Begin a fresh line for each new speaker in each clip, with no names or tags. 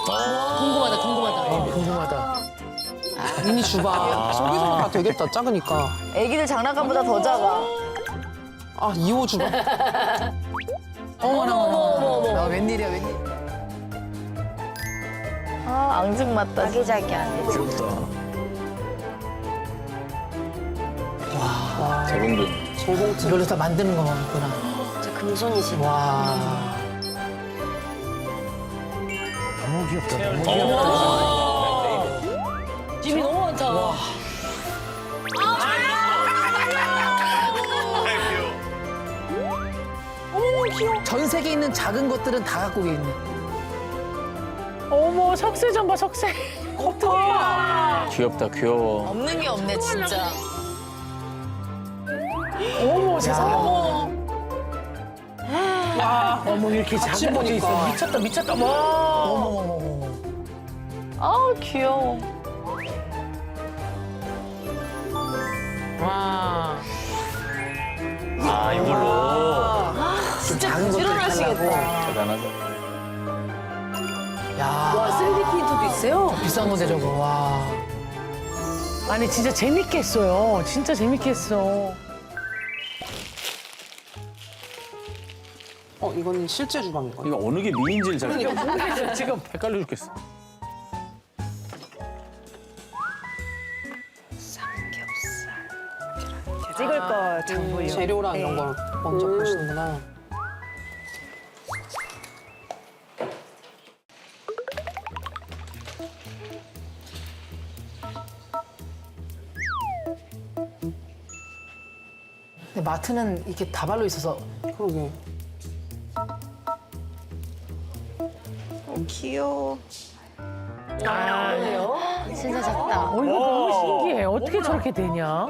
궁금하다, 궁금하다.
궁금하다. 미니 주방. 저기서 다 되겠다, 작으니까.
애기들 장난감보다 더 작아.
아, 2호 주방.
어머.
나 웬일이야, 웬일.
아, 앙증맞다. 아기자기하네.
귀엽다. 재봉도.
저봉투. 이걸로 다 만드는 거구나.
진짜 금손이시다.
와.
너무 귀엽다. 너무 귀엽다.
짐이 너무 많다.
전 세계에 있는 작은 것들은 다 갖고 있네.
어머, 석쇠 좀 봐, 석쇠. 어떡해.
귀엽다, 귀여워.
없는 게 없네, 진짜.
어머, 세상에. 와, 어머, 이렇게 작은 것도 있어. 미쳤다, 미쳤다. 와.
어머머머머.
아우, 귀여워.
와.
아, 이걸로.
진짜 작은 것들
일어나시겠다.
대단하다.
야,
와, 3D 프린터도 있어요?
비싼 건데 저거. 와.
아니, 진짜 재밌게 했어요. 진짜 재밌게 했어.
이거는 실제 주방인 거야.
이거 어느 게 미인지를 잘
그러니까 모르겠어, 지금.
헷갈려 죽겠어.
찍을 거 장보요.
재료랑 이런 걸 먼저 보시는구나. 근데 마트는 이렇게 다발로 있어서 그러게.
귀여워.
진짜 작다.
이거 너무 신기해. 어떻게 저렇게 되냐?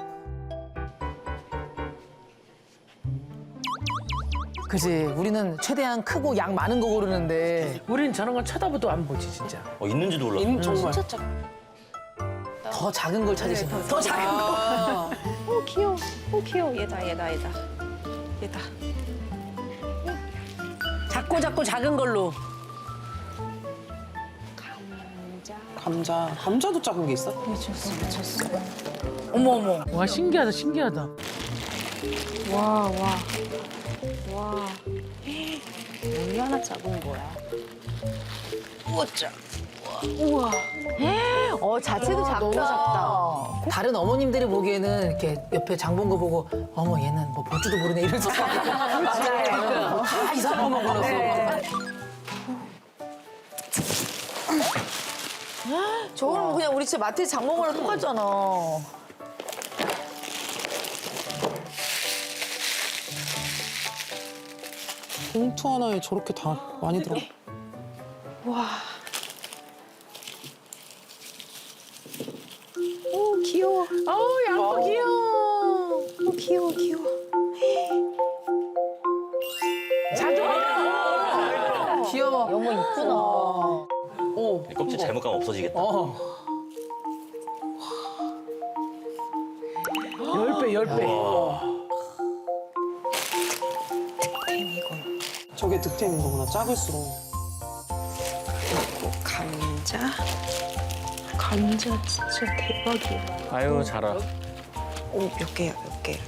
그지. 우리는 최대한 크고 양 많은 거 고르는데
우린 저런 건 쳐다보도 안 보지, 진짜.
있는지도 몰랐어.
정말
진짜 작다.
더 작은 걸 찾으시는 더 작은 거.
오 귀여워. 오 귀여워. 얘다.
작고 작은 걸로.
감자도 작은 게 있어?
어머.
와, 신기하다, 신기하다.
와. 얼마나 작은 거야?
자체도 작다. 너무 작다.
다른 어머님들이 보기에는 이렇게 옆에 장 본 거 보고 어머 얘는 뭐 볼 줄도 모르네 이런 생각. 맞아요. 다 이상한 것만 골랐어.
저거는 그냥 우리 진짜 마트에서 장 먹으랑 똑같잖아.
봉투 하나에 저렇게 다 많이 들어.
오 귀여워.
양파 귀여워.
오 귀여워.
귀여워.
여보 이쁘다.
오.
껍질 잘못 가면 없어지겠다.
10배, 10배.
저게 득템인 거구나. 작을수록.
감자 진짜 대박이야.
아유, 잘하.
몇 개야 이렇게.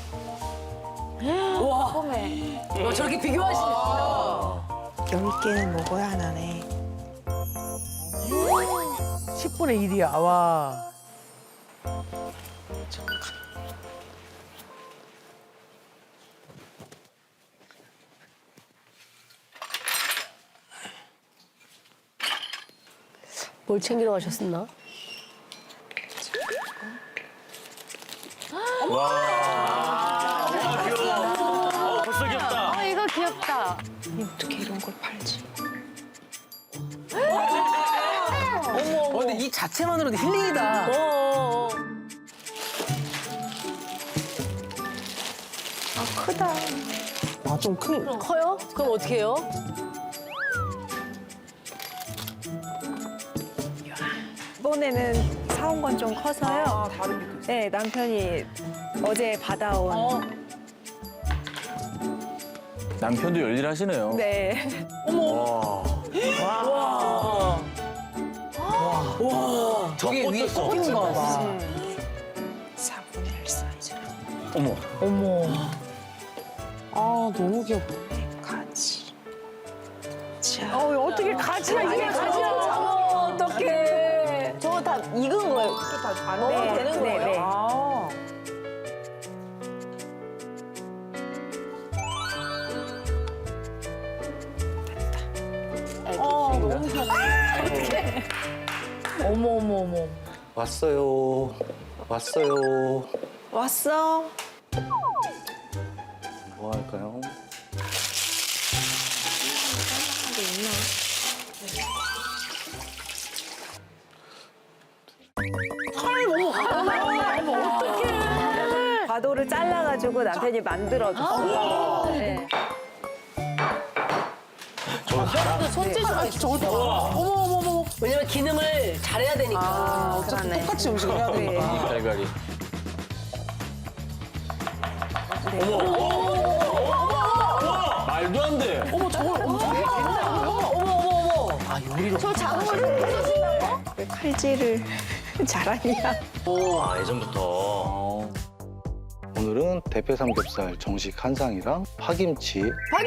와, 저렇게 비교하시네.
10개는 먹어야 하나네.
10분의 1이야, 와.
뭘 챙기러 가셨었나?
벌써 귀엽다.
이거 귀엽다.
어떻게 이런 걸 팔지?
근데 이 자체만으로도 힐링이다.
크다.
아, 좀 큰.
커요? 그럼 어떻게 해요?
이번에는 사온 건 좀 커서요.
다른 게 있어.
네, 남편이 어제 받아온.
남편도 열일하시네요.
네.
와.
저게 위에
꽂혔어.
꽂힌 거 봐.
4분의 1 사이즈.
어머.
어머.
아 너무 귀엽다.
가지. 자.
어떻게 가지가 이게 가지야?
어떡해.
저거 다 익은 거예요. 먹어도 되는 거예요?
네.
아. 너무 귀엽다.
어머.
왔어요. 왔어요.
왔어.
뭐 할까요?
과도를 잘라가지고 남편이 만들어줬어. 네.
손재주가 있어. 왜냐면 기능을 잘해야 되니까.
어차피
그러네.
똑같이 음식을 해야 되니까.
갈갈이. 말도 안 돼.
아 요리로.
저 작은 걸 쓰신다고?
왜 칼질을 잘하냐?
아, 예전부터.
오늘은 대패 삼겹살 정식 한 상이랑 파김치,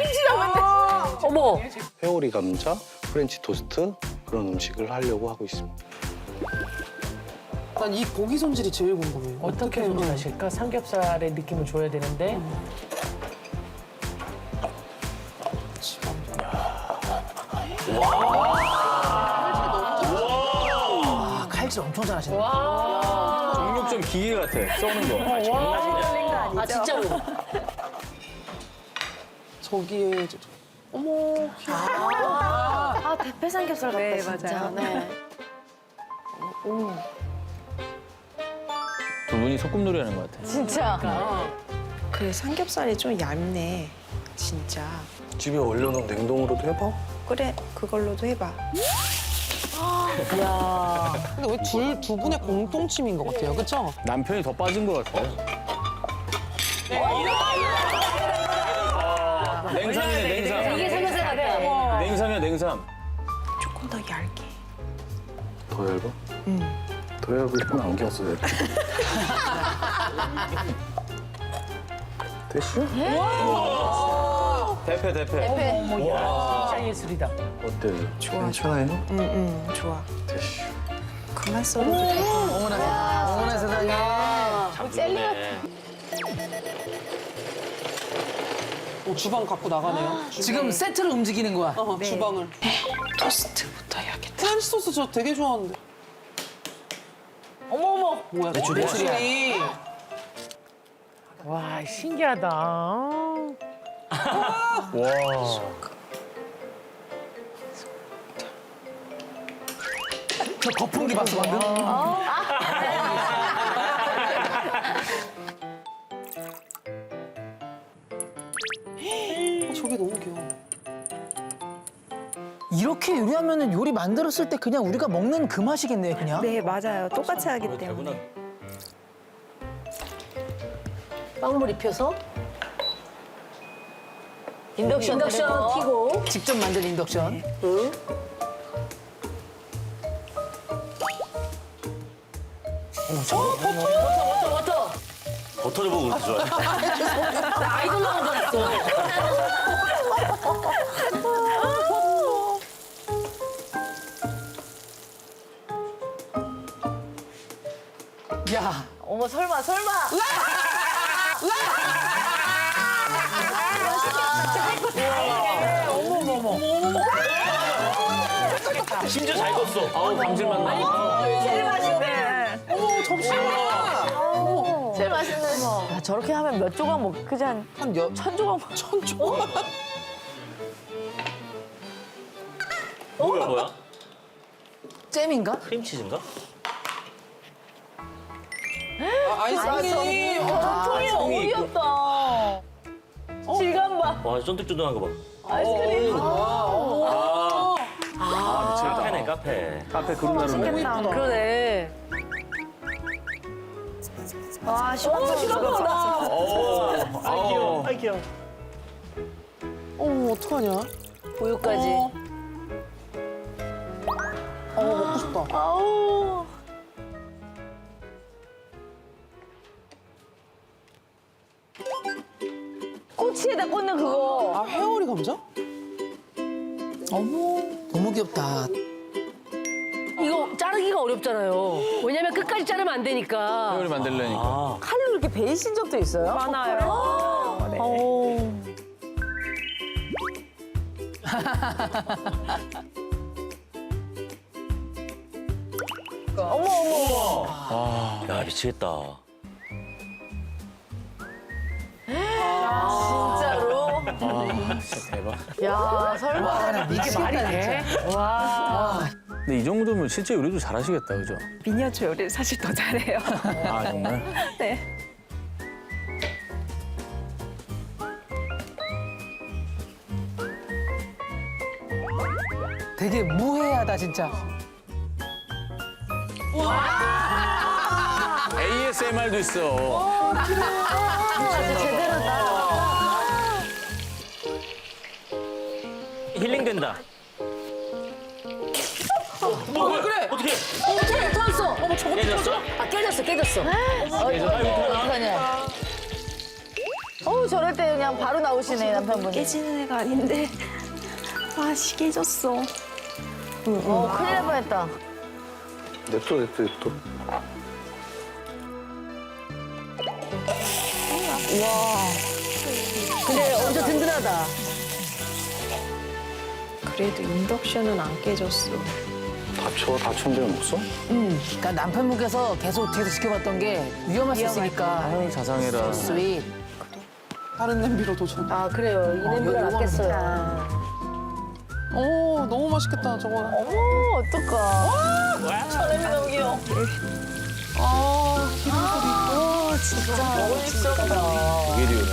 어머.
회오리 감자, 프렌치 토스트 그런 음식을 하려고 하고 있습니다.
난 이 고기 손질이 제일 궁금해요.
어떻게 손질하실까? 삼겹살의 느낌을 줘야 되는데.
아 칼질 엄청 잘하시네.
정육점 기계 같아. 써는 거.
아, 진짜로.
저기에 어머 귀여워.
아, 대패 삼겹살 같다,
네,
진짜.
맞아요.
네.
두 분이 소꿉놀이 하는 것 같아.
진짜.
그 삼겹살이 좀 얇네. 진짜.
집에 얼려놓은 냉동으로도 해봐.
그래, 그걸로도 해봐.
근데 왜 두 분의 공통점인 것 같아요, 그렇죠?
남편이 더 빠진 것 같아요. 냉삼이네, 냉삼.
이게 삼겹살 같다.
냉삼이야, 냉삼.
조금 더 얇게.
더 얇아? 더 얇으려면 안경 써야 돼. 됐슈?
대패, 대패.
대패.
진짜 예술이다.
어때?
좋아,
괜찮아요?
응, 좋아.
됐슈.
그만 썰어도 돼.
어머나 세상에.
참 좋네.
주방 갖고 나가네요.
지금 세트로 움직이는 거야.
주방을.
토스트부터 해야겠다.
프렌치 소스 저 되게 좋아하는데.
어머어머.
뭐야?
매출이야.
매출이.
와, 신기하다.
와.
저 거품기 봤어 방금?
저게 너무 귀여워.
이렇게 요리하면은 요리 만들었을 때 그냥 우리가 먹는 그 맛이겠네 그냥.
네, 맞아요. 똑같이 하기 때문에.
빵물 입혀서. 인덕션 켜고.
직접 만든 인덕션.
응. 버터.
버터를 보고 그렇게 좋아해.
나 아이돌 나온 줄 알았어.
야.
어머, 설마.
심지어 잘 껐어. 아우, 감질맛 나.
제일 맛있네.
제일 맛있는 거. 야, 저렇게 하면 몇 조각 먹, 그지 한
한 여,
1000조각 먹.
1000조?
뭐야?
잼인가?
크림치즈인가?
아이스크림.
통이 너무
통이 있고.
귀엽다. 질감 봐.
와, 쫀득쫀득한 거 봐.
아이스크림.
카페네, 카페. 카페 그룹 나름네.
그러네.
와, 시원하다.
귀여워. 아이, 귀여워.
어머, 어떡하냐?
우유까지.
먹고 싶다.
아우. 꼬치에다 꽂는 그거.
아, 회오리 감자?
어머, 너무 귀엽다.
이거 자르기가 어렵잖아요. 왜냐면 끝까지 자르면 안 되니까.
회오리 만들려니까.
칼로 이렇게 베이신 적도 있어요?
많아요. 네.
야, 미치겠다.
진짜로?
진짜 대박.
야, 설마.
와, 나 미치겠다, 진짜.
근데 이 정도면 실제 요리도 잘하시겠다, 그죠?
미니어처 요리를 사실 더 잘해요.
아, 정말?
네.
되게 무해하다, 진짜.
ASMR도 있어. 힐링된다.
왜 그래?
어떻게?
터졌어.
어머, 저거
깨졌어?
아, 깨졌어, 깨졌어.
어떡하냐. 어우, 저럴 때 그냥 바로 나오시네, 남편분이.
깨지는 애가 아닌데. 아, 시계졌어.
큰일 날 뻔했다.
냅둬.
근데 엄청 든든하다.
그래도 인덕션은 안 깨졌어.
다친 데는 없어?
그러니까 남편분께서 계속 뒤에서 지켜봤던 게 위험할 수 있으니까.
아유, 자상해라.
스윗.
다른 냄비로 도전.
아, 그래요. 이 냄비가
이거
낫겠어요.
오, 너무 맛있겠다, 저거.
어머, 어떡하. 저렴이 너무 귀여워.
아, 기름 소리.
진짜 먹을수없다.
되게 리얼하네.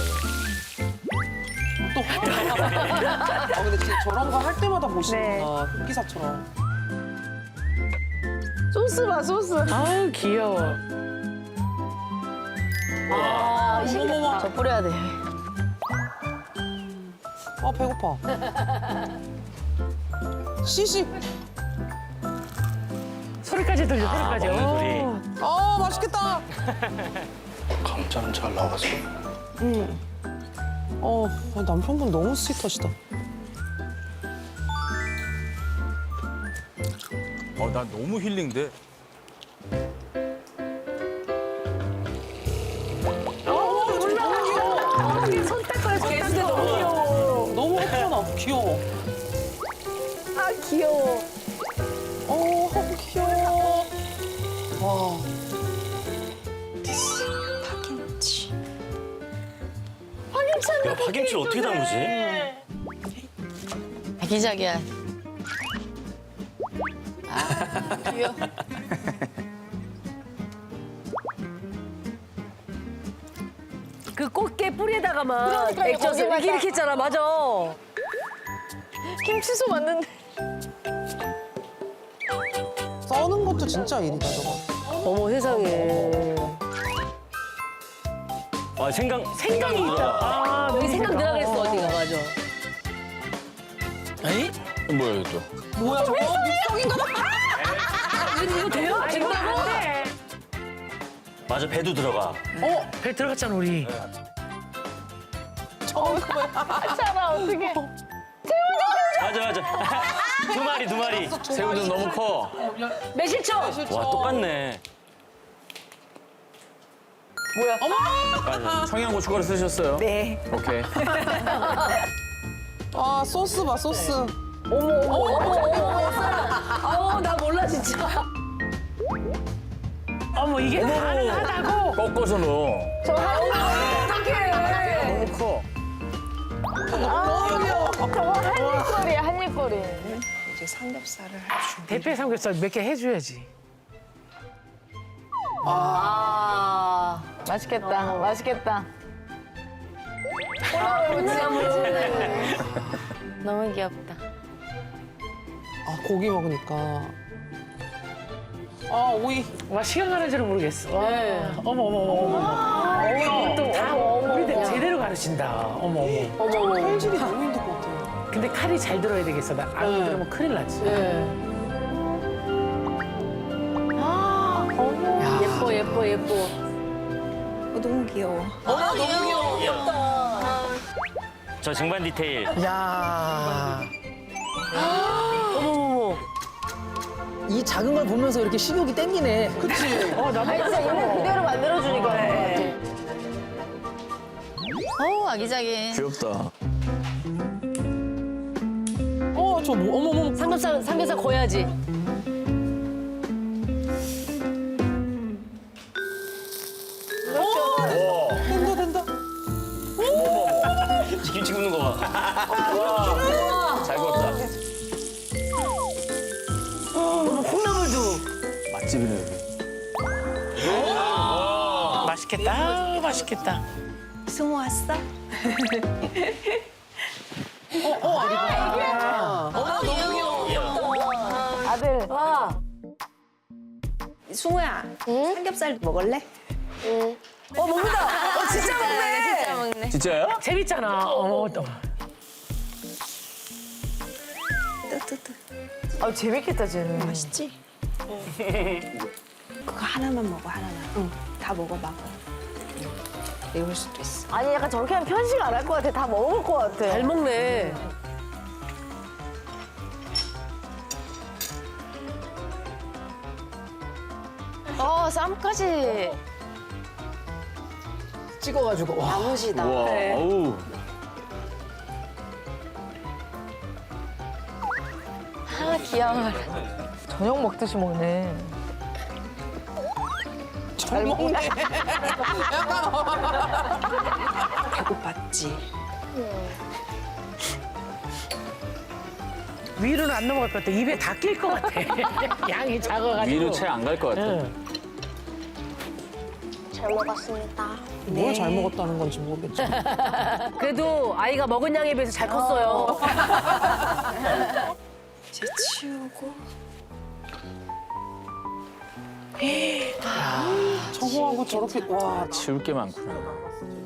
또. 아, 근데 진짜 저런 거 할 때마다 보시는구나.
네.
흑기사처럼.
소스 봐, 소스.
아유, 귀여워.
아,
어머머머.
저 뿌려야 돼.
아, 배고파. 시식.
소리까지 들려, 소리까지.
먹는
오.
소리.
아, 맛있겠다.
감자는 잘 나왔어.
남편분 너무 스윗하시다.
나 너무 힐링돼.
너무 예쁘다. 귀여워.
아, 귀여워.
귀여워. 와.
파김치.
야, 파김치를 어떻게 담그지?
아기자기야. 귀여워.
그 꽃게 뿌리에다가만
그러니까요,
액젓을
거기만
이렇게 했잖아. 맞아.
김치소 맞는데.
써는 것도 진짜 일이다, 저거.
어머, 세상에.
아,
생강이 있다. 아,
여기 생각 들어가 그랬어, 언니가. 맞아.
에이?
뭐야, 이거 또?
뭐야, 저거? 믹서기인가 봐.
이거 돼요? 된다고?
맞아, 배도 들어가.
배 들어갔잖아, 우리.
차라, 어떡해.
맞아. 두 마리. 새우도 너무 커.
매실청.
와, 똑같네.
뭐야?
맞아. 청양고춧가루 쓰셨어요?
네.
오케이.
아, 소스 봐, 소스.
아우, 나 몰라, 진짜.
어머, 이게 가능하다고.
꺾어서 넣어.
어떡해.
너무 커.
저거 한입거리야, 한입거리.
이제 삼겹살을 할 준비.
대패 삼겹살 몇 개 해줘야지.
아, 맛있겠다, 맛있겠다. 너무 귀엽다.
아, 고기 먹으니까. 아, 오이.
와, 시간 가는 줄은 모르겠어. 와.
네.
어머. 또 다 우리들 제대로 가르친다. 어머.
칼질이 너무 힘들 것 같아요.
근데 칼이 잘 들어야 되겠어. 나 안 들으면 큰일 나지.
예뻐.
너무 귀여워.
너무 귀여워.
저 증반 디테일.
야.
어머머머.
이 작은 걸 보면서 이렇게 식욕이 땡기네.
그치?
아니, 진짜 있는 그대로 만들어주니까.
어우, 아기자기.
귀엽다.
저 뭐, 어머머.
삼겹살 구워야지.
된다.
김치 굽는 거 봐. 와, 잘 구웠다.
콩나물도.
맛집이네, 여기.
맛있겠다. 아우, 맛있겠다.
승우 왔어?
아들.
와.
승우야, 삼겹살 먹을래?
먹는다. 진짜 먹네.
진짜 먹네.
진짜요?
재밌잖아. 또.
뜨뜨뜨.
아, 재밌겠다, 쟤는.
맛있지? 그거 하나만 먹어, 하나만. 응, 다 먹어봐. 매울 수도 있어.
아니, 약간 저렇게 하면 편식 안 할 것 같아. 다 먹어볼 것 같아.
잘 먹네.
쌈까지.
찍어가지고. 와.
나무지다.
우와, 어우.
아, 귀여워.
저녁 먹듯이 먹네.
잘 먹네.
배고팠지?
위로는 안 넘어갈 것 같아. 입에 다 낄 것 같아. 양이 작아가지고.
위로 채 안 갈 것 같아.
응.
잘 먹었습니다.
뭘 잘 먹었다는 건지 모르겠지.
그래도 아이가 먹은 양에 비해서 잘 컸어요.
이제 치우고.
저거하고 저렇게, 와.
치울 게 많구나.